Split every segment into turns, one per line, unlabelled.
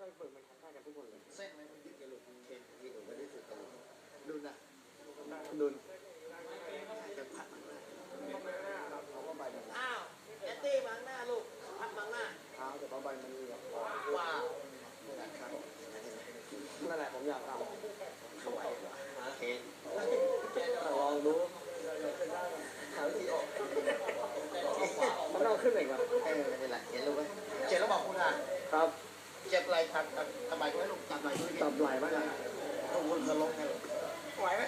เคยฝึกมันทำได้กันทุกคนเลย
เส้นไหมมันยึดกระดูกมันเป็นมีหนูไม่ได้ฝึกกระดูกดุนอ่ะ
ดุน
จะพัดมันได้
เขาก็ใบมัน
อ้าวแอตตี้มาหน้าลูกพัดมาหน้า
เท้าแต่ว่าใบมันมีแบบ
ว้าว
นั่นแหละผมอยากทำ
เข้าไปเคน
ลองดู
หาวิธีออก
มันต้องขึ้นอีกว่ะ
ไม่เป็นไรเห็นลูกไหมเจ็บแล้วบอกคุณอ่ะ
ครับ
เจ็บไหล่ทำไมคุณให้ลูกจับไหล่ด้วย
จับไหล่ไหมล่ะ
ลูกคุณจะลงไงไหวไหม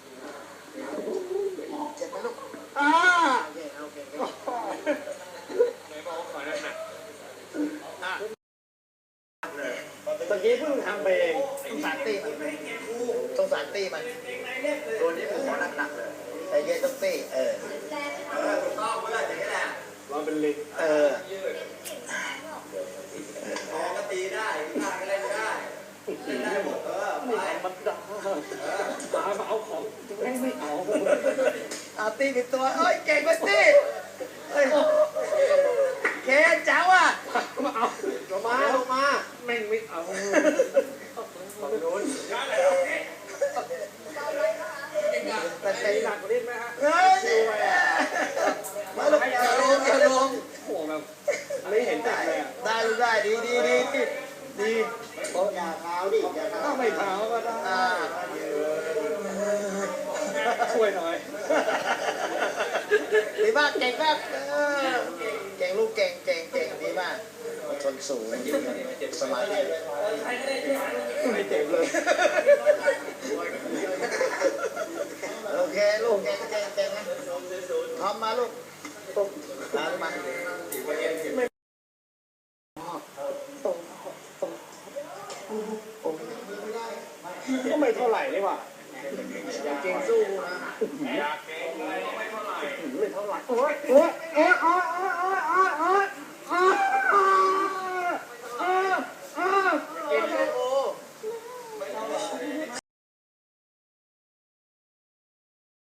เจ็บไหมลูกโอเคโอเค
ไหนบอกว่าขอหนักตะกี้เพิ่งทำไปเอง
ต้องสารตีมันต้องสารตีมันตัวนี้ผมขอหนักๆเลยแต่เย็นต้องตีถูกต้องเพื่อนอย่างนี้แหละ
เราเป็นลิง
พอก็ตีได้ข้าก็เล่นได้เล่นได้หมด
นี่มันด่ามาเอาของไม่เอา
ตีเป็นตัวเอ้ยเก่งกว่าตีเคเจ้าอ่ะ
มาเอาลงมาแม่งไม่เอาฝั่งโน้นแต่ใจหนักกว่านี้ไหมฮะ
มาลงลง
โอ้แบบไม่เห็นใจเลย
ได้ดีอย่าเท้าดิอย่าเท้า
ถ้าไม่เท้าก็ได้ช่วยหน่อย
ดีมากเก่งมากเก่งลูกเก่งดีมากชนสูงสมาธิ
ไม่เจ็บเลย
โอเคลูกเก่งนะพร้อมมาลูกมา
ก็ไม่เท่าไหร่นี่หว่า
เก่งสู้นะ
ไม่เท่าไหร่โอ๊ย